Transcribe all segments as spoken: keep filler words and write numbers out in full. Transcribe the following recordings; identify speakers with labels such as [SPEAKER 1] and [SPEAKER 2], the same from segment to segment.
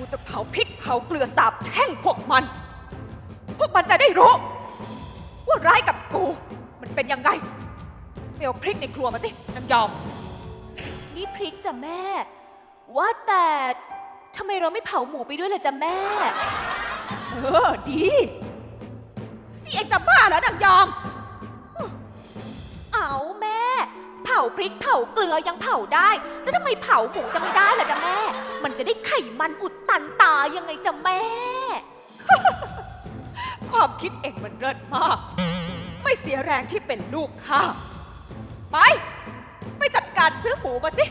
[SPEAKER 1] จะเผาพริกเผาเกลือสาบแช่งพวกมัน พวกมันจะได้รู้ว่าร้ายกับกูมันเป็นยังไงไปเอาพริกในครัวมาสินางยอมนี่พริกจ้ะแม่ว่าแต่ทำไมเราไม่เผาหมูไปด้วยล่ะจ้ะแม่เออดีนี่เองจะบ้าแล้วนางยอมเอาแม่เผาพริกเผาเกลือยังเผาได้แล้วทำไมเผาหมูจะไม่ได้ล่ะจ้ะแม่มันจะได้ไขมันอุดตันตายังไงจ้ะแม่ ความคิดเองมันเลิศมากไม่เสียแรงที่เป็นลูกข้าไปไปจัดการซื้อหมูมาสิ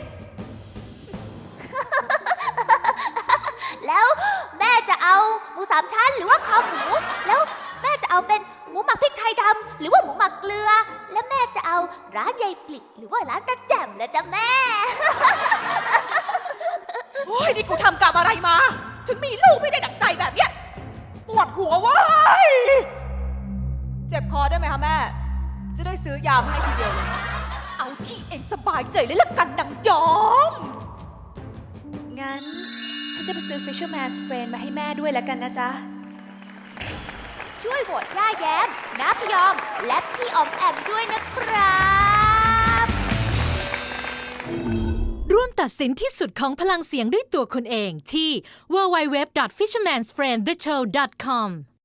[SPEAKER 2] แล้วแม่จะเอาหมูสามชั้นหรือว่าคอหมูแล้วแม่จะเอาเป็นหมูหมักพริกไทยดำหรือว่าหมูหมักเกลือและแม่จะเอาร้านยายปลิกหรือว่าร้านตาแจ่มละจ้ะแม่
[SPEAKER 1] โอ้ยนี่กูทำกรรมอะไรมาถึงมีลูกไม่ได้ดั่งใจแบบเนี้ยปวดหัวเว้ยเจ็บคอได้ไหมคะแม่จะได้ซื้อยามาให้ทีเดียวเลยเอาที่เองสบายใจเลยละกันนางยอมงั้นฉันจะไปซื้อ Fisherman's Friend มาให้แม่ด้วยแล้วกันนะจ๊ะ
[SPEAKER 2] ช่วยโหวตย่าแย้มน้าพยอมและพี่ออมแอมด้วยนะครับ
[SPEAKER 3] ร่วมตัดสินที่สุดของพลังเสียงด้วยตัวคุณเองที่ ดับเบิลยู ดับเบิลยู ดับเบิลยู ดอท ฟิชเชอร์แมนส์ เฟรนด์ เดอะ โชว์ ดอท คอม